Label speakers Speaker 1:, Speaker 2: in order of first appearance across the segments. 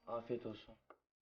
Speaker 1: Afiyet olsun.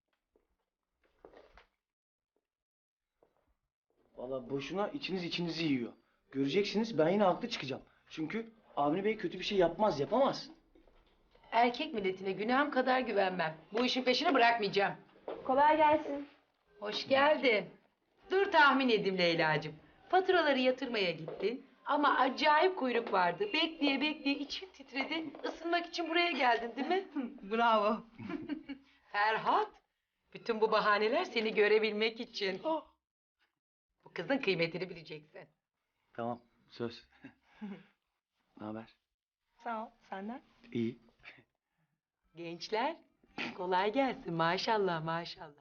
Speaker 1: Vallahi boşuna içinizi yiyor. Göreceksiniz, ben yine haklı çıkacağım. Çünkü Avni Bey kötü bir şey yapmaz, yapamaz.
Speaker 2: Erkek milletine günahım kadar güvenmem. Bu işin peşini bırakmayacağım.
Speaker 3: Kolay gelsin.
Speaker 2: Hoş geldin. Dur tahmin edeyim Leyla'cığım. Faturaları yatırmaya gittin ama acayip kuyruk vardı. Bekleye bekleye için titredi. Isınmak için buraya geldin değil mi? Bravo. Ferhat, bütün bu bahaneler seni görebilmek için. Bu kızın kıymetini bileceksin.
Speaker 1: Tamam, söz. Ne haber?
Speaker 3: Sağ ol. Senden?
Speaker 1: İyi.
Speaker 2: Gençler, kolay gelsin. Maşallah, maşallah.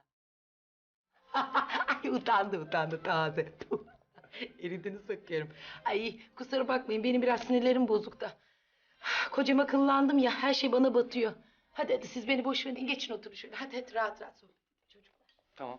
Speaker 2: Ay utandı taze. Eridini sokuyorum. Ay kusura bakmayın, benim biraz sinirlerim bozuk da. Kocama akıllandım ya, her şey bana batıyor. Hadi siz beni boş verin, geçin oturun şöyle. Hadi rahat rahat sohbet edin çocuklar.
Speaker 1: Tamam.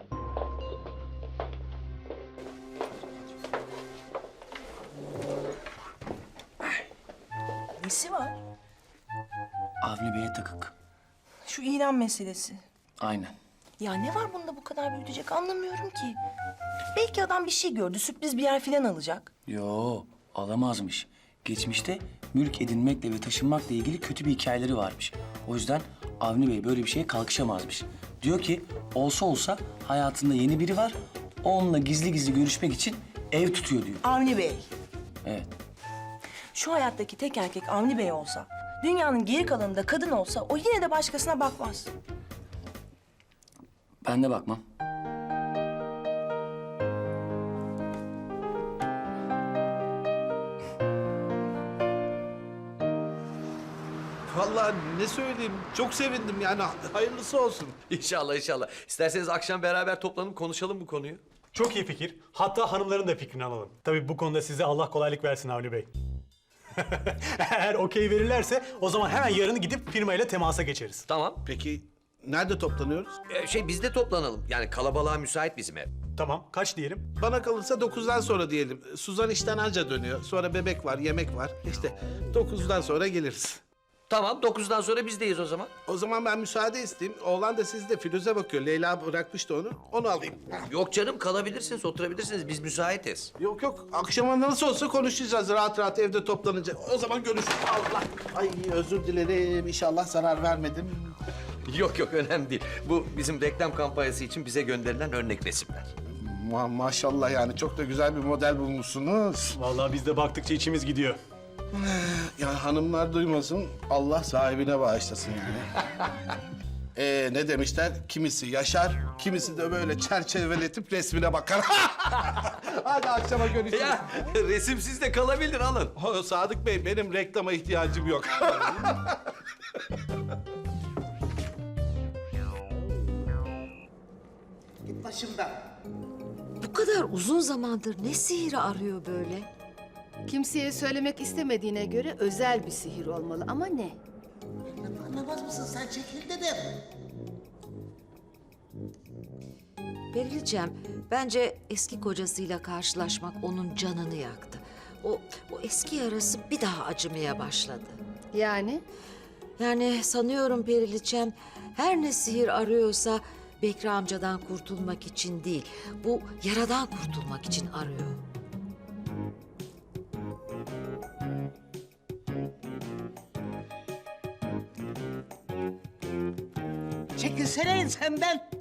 Speaker 4: Nesi var?
Speaker 1: Avni Bey'e takık.
Speaker 4: Şu ilan meselesi.
Speaker 1: Aynen.
Speaker 4: Ya ne var bunda bu kadar büyütecek anlamıyorum ki. Belki adam bir şey gördü, sürpriz bir yer falan alacak.
Speaker 1: Yo, alamazmış. Geçmişte mülk edinmekle ve taşınmakla ilgili kötü bir hikayeleri varmış. O yüzden Avni Bey böyle bir şeye kalkışamazmış. Diyor ki olsa olsa hayatında yeni biri var. Onunla gizli gizli görüşmek için ev tutuyor diyor.
Speaker 4: Avni Bey.
Speaker 1: Evet.
Speaker 4: Şu hayattaki tek erkek Avni Bey olsa, dünyanın geri kalanında kadın olsa o yine de başkasına bakmaz.
Speaker 1: Ben de bakmam.
Speaker 5: Vallahi ne söyleyeyim, çok sevindim yani hayırlısı olsun.
Speaker 6: İnşallah inşallah. İsterseniz akşam beraber toplanıp konuşalım bu konuyu.
Speaker 7: Çok iyi fikir. Hatta hanımların da fikrini alalım. Tabii bu konuda size Allah kolaylık versin Avni Bey. Eğer okey verirlerse o zaman hemen yarın gidip firmayla temasa geçeriz.
Speaker 6: Tamam.
Speaker 5: Peki nerede toplanıyoruz?
Speaker 6: Biz de toplanalım. Yani kalabalığa müsait bizim ev.
Speaker 7: Tamam, kaç diyelim?
Speaker 5: Bana kalırsa 9'dan sonra diyelim. Suzan işten anca dönüyor. Sonra bebek var, yemek var. İşte 9'dan sonra geliriz.
Speaker 6: Tamam 9'dan sonra bizdeyiz o zaman.
Speaker 5: O zaman ben müsaade isteyeyim. Oğlan da sizde Firuze bakıyor. Leyla bırakmıştı onu. Onu alayım.
Speaker 6: Yok canım kalabilirsiniz, oturabilirsiniz. Biz müsaitiz.
Speaker 5: Yok yok. Akşama nasıl olsa konuşacağız rahat rahat evde toplanınca. O zaman görüşürüz. Allah. Ay özür dilerim. İnşallah zarar vermedim.
Speaker 6: Yok yok önemli değil. Bu bizim reklam kampanyası için bize gönderilen örnek resimler.
Speaker 5: Maşallah yani çok da güzel bir model bulmuşsunuz.
Speaker 7: Vallahi biz de baktıkça içimiz gidiyor.
Speaker 5: Ya hanımlar duymasın, Allah sahibine bağışlasın yani. Ne demişler? Kimisi yaşar, kimisi de böyle çerçeveletip resmine bakar. Hadi akşama görüşürüz.
Speaker 6: Ya resimsiz de kalabilir alın.
Speaker 5: Sadık Bey, benim reklama ihtiyacım yok.
Speaker 8: Git başımdan.
Speaker 9: Bu kadar uzun zamandır ne sihiri arıyor böyle?
Speaker 10: Kimseye söylemek istemediğine göre özel bir sihir olmalı ama ne?
Speaker 8: Anlamaz mısın sen çekil dedim.
Speaker 9: Perilcem, bence eski kocasıyla karşılaşmak onun canını yaktı. O eski yarası bir daha acımaya başladı.
Speaker 10: Yani?
Speaker 9: Yani sanıyorum Periliçem, her ne sihir arıyorsa Bekri amcadan kurtulmak için değil, bu yaradan kurtulmak için arıyor.
Speaker 8: Çekilsene ensemden.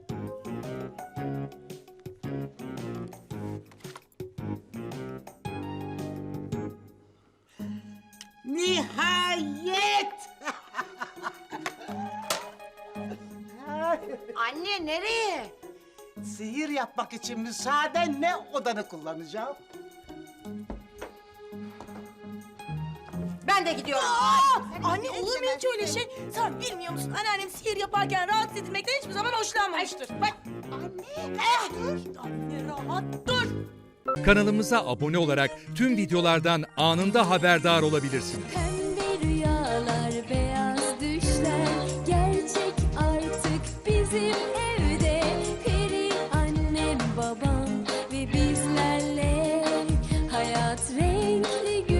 Speaker 8: Nihayet!
Speaker 9: Anne nereye?
Speaker 8: Sihir yapmak için müsaadenle odanı kullanacağım.
Speaker 9: Ben de gidiyorum.
Speaker 4: Anne olur mu hiç öyle şey? Sen bilmiyor musun? Anneannem sihir yaparken rahatsız edilmekten hiçbir zaman hoşlanmamıştır. Bak. Anne, dur. Anne rahat dur.
Speaker 11: Kanalımıza abone olarak tüm videolardan anında haberdar olabilirsiniz.
Speaker 3: Pembe rüyalar, beyaz düşler gerçek artık bizim evde. Peri annem, babam ve bizlerle hayat renkli gün.